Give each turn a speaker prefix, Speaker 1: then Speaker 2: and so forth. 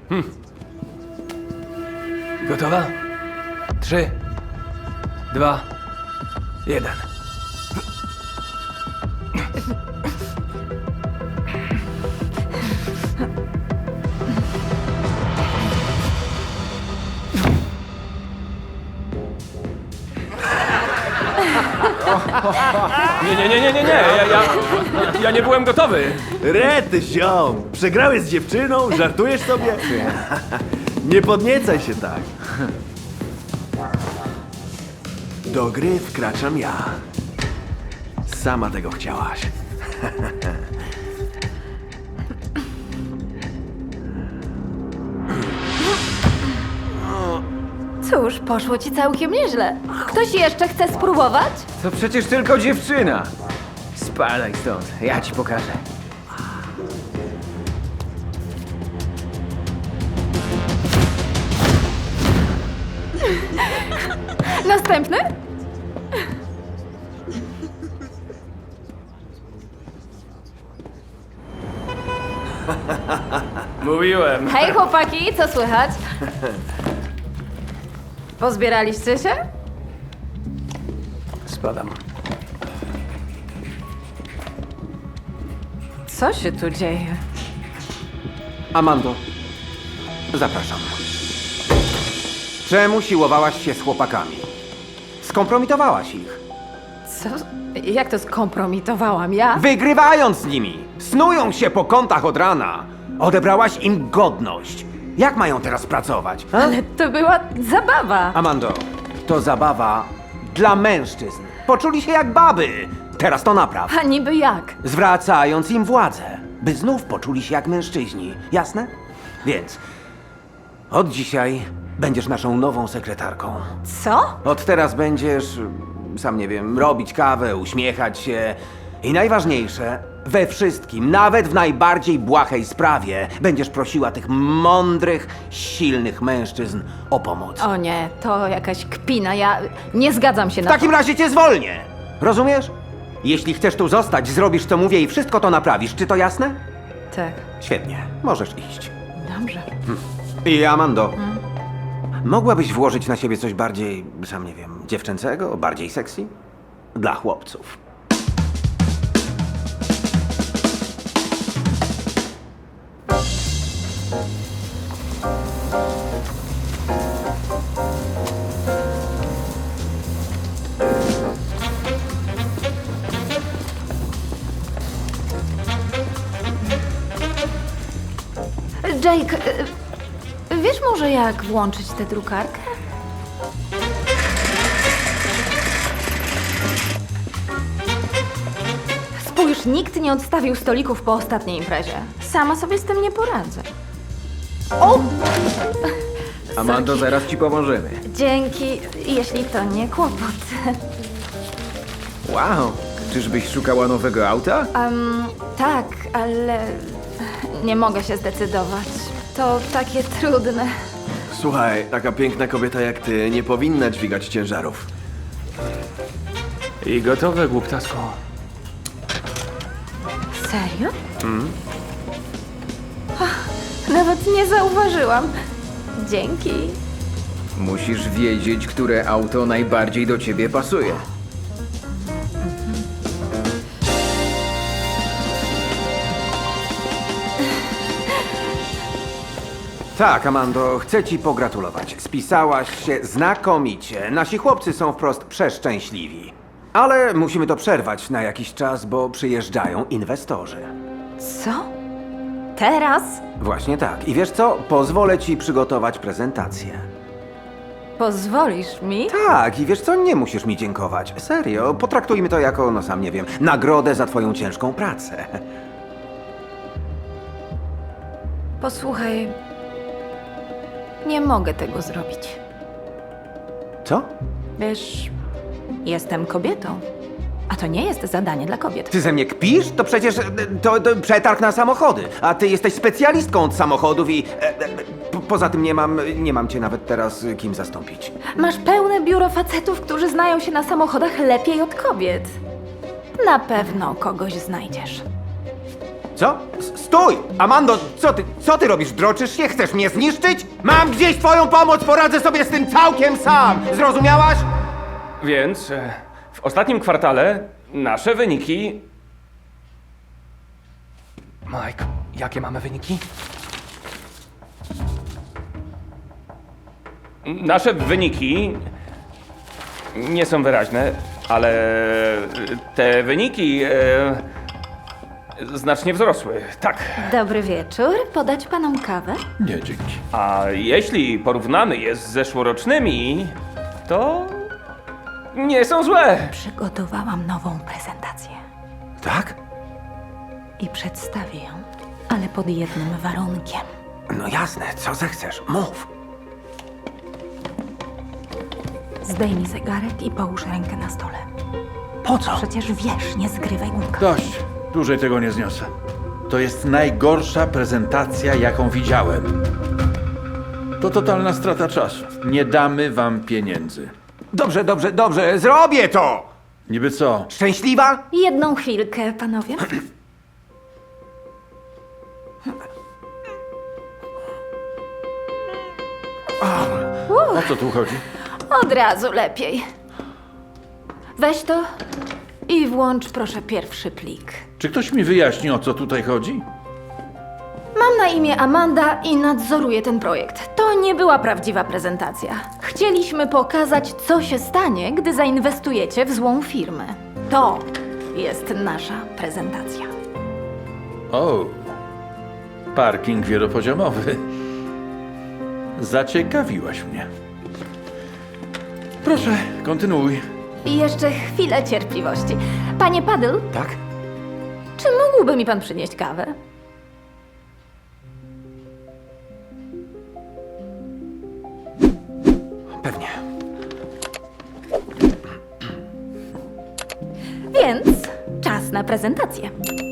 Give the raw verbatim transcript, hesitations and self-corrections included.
Speaker 1: Gotowa? Trzy, dwa, jeden. Nie, nie, nie, nie, nie, nie. Ja, ja, ja nie byłem gotowy.
Speaker 2: Rety, ziom! Przegrałeś z dziewczyną? Żartujesz sobie? Nie podniecaj się tak. Do gry wkraczam ja. Sama tego chciałaś.
Speaker 3: Cóż, poszło ci całkiem nieźle. Ktoś jeszcze chce spróbować?
Speaker 4: To przecież tylko dziewczyna. Spadaj stąd, ja ci pokażę.
Speaker 3: Następny?
Speaker 1: Mówiłem.
Speaker 3: Hej chłopaki, co słychać? Pozbieraliście się?
Speaker 1: Spadam.
Speaker 3: Co się tu dzieje?
Speaker 4: Amando, zapraszam. Czemu siłowałaś się z chłopakami? Skompromitowałaś ich.
Speaker 3: Co? Jak to skompromitowałam? Ja?
Speaker 4: Wygrywając z nimi! Snują się po kątach od rana! Odebrałaś im godność. Jak mają teraz pracować? A?
Speaker 3: Ale to była zabawa.
Speaker 4: Amando, to zabawa dla mężczyzn. Poczuli się jak baby. Teraz to napraw.
Speaker 3: A niby jak?
Speaker 4: Zwracając im władzę, by znów poczuli się jak mężczyźni. Jasne? Więc od dzisiaj będziesz naszą nową sekretarką.
Speaker 3: Co?
Speaker 4: Od teraz będziesz, sam nie wiem, robić kawę, uśmiechać się i najważniejsze, we wszystkim, nawet w najbardziej błahej sprawie, będziesz prosiła tych mądrych, silnych mężczyzn o pomoc.
Speaker 3: O nie, to jakaś kpina. Ja nie zgadzam się
Speaker 4: W
Speaker 3: na
Speaker 4: takim
Speaker 3: to.
Speaker 4: razie cię zwolnię! Rozumiesz? Jeśli chcesz tu zostać, zrobisz co mówię i wszystko to naprawisz. Czy to jasne?
Speaker 3: Tak,
Speaker 4: Świetnie, możesz iść.
Speaker 3: dobrze.
Speaker 4: I Amando, mogłabyś włożyć na siebie coś bardziej, sam nie wiem, dziewczęcego, bardziej sexy? Dla chłopców.
Speaker 3: Jake, y, wiesz może jak włączyć tę drukarkę? Spójrz, nikt nie odstawił stolików po ostatniej imprezie. Sama sobie z tym nie poradzę. O!
Speaker 4: Amando,
Speaker 3: Sorki.
Speaker 4: zaraz ci pomożemy.
Speaker 3: Dzięki, jeśli to nie kłopot.
Speaker 4: Wow, czyżbyś szukała nowego auta?
Speaker 3: Um, tak, ale nie mogę się zdecydować. To takie trudne.
Speaker 2: Słuchaj, taka piękna kobieta jak ty nie powinna dźwigać ciężarów.
Speaker 1: I gotowe, głuptasku.
Speaker 3: Serio? Ach, nawet nie zauważyłam. Dzięki.
Speaker 5: Musisz wiedzieć, które auto najbardziej do ciebie pasuje.
Speaker 4: Tak, Amando, chcę ci pogratulować. Spisałaś się znakomicie. Nasi chłopcy są wprost przeszczęśliwi. Ale musimy to przerwać na jakiś czas, bo przyjeżdżają inwestorzy.
Speaker 3: Co? Teraz?
Speaker 4: Właśnie tak. I wiesz co? Pozwolę ci przygotować prezentację.
Speaker 3: Pozwolisz mi?
Speaker 4: Tak, i wiesz co? Nie musisz mi dziękować. Serio, potraktujmy to jako, no sam nie wiem, nagrodę za twoją ciężką pracę.
Speaker 3: Posłuchaj, nie mogę tego zrobić.
Speaker 4: Co?
Speaker 3: Wiesz, jestem kobietą, a to nie jest zadanie dla kobiet.
Speaker 4: Ty ze mnie kpisz? To przecież e, to, to przetarg na samochody, a ty jesteś specjalistką od samochodów i e, e, po, poza tym nie mam, nie mam cię nawet teraz e, kim zastąpić.
Speaker 3: Masz pełne biuro facetów, którzy znają się na samochodach lepiej od kobiet. Na pewno kogoś znajdziesz.
Speaker 4: Co? S- Stój! Amando, co ty, co ty robisz? Droczysz się? Chcesz mnie zniszczyć? Mam gdzieś twoją pomoc, poradzę sobie z tym całkiem sam! Zrozumiałaś?
Speaker 1: Więc e, w ostatnim kwartale nasze wyniki... Mike, jakie mamy wyniki? Nasze wyniki nie są wyraźne, ale te wyniki e, znacznie wzrosły. Tak.
Speaker 3: Dobry wieczór. Podać panom kawę?
Speaker 6: Nie, dzięki.
Speaker 1: A jeśli porównamy je z zeszłorocznymi, to nie są złe.
Speaker 3: Przygotowałam nową prezentację
Speaker 4: Tak?
Speaker 3: i przedstawię ją, ale pod jednym warunkiem.
Speaker 4: No jasne, co zechcesz, mów.
Speaker 3: Zdejmij zegarek i połóż rękę na stole.
Speaker 4: Po co?
Speaker 3: Przecież wiesz, nie zgrywaj głupka.
Speaker 6: Dość. Dłużej tego nie zniosę. To jest najgorsza prezentacja, jaką widziałem. To totalna strata czasu. Nie damy wam pieniędzy.
Speaker 4: Dobrze, dobrze, dobrze, zrobię to!
Speaker 6: Niby co?
Speaker 4: Szczęśliwa?
Speaker 3: Jedną chwilkę, panowie.
Speaker 6: O co tu chodzi?
Speaker 3: Od razu lepiej. Weź to i włącz proszę pierwszy plik.
Speaker 6: Czy ktoś mi wyjaśni, o co tutaj chodzi?
Speaker 3: Mam na imię Amanda i nadzoruję ten projekt. To nie była prawdziwa prezentacja. Chcieliśmy pokazać, co się stanie, gdy zainwestujecie w złą firmę. To jest nasza prezentacja.
Speaker 6: O, parking wielopoziomowy. Zaciekawiłaś mnie. Proszę, kontynuuj.
Speaker 3: I jeszcze chwilę cierpliwości. Panie Paddle,
Speaker 4: Tak?
Speaker 3: czy mógłby mi pan przynieść kawę?
Speaker 4: Pewnie.
Speaker 3: Więc czas na prezentację.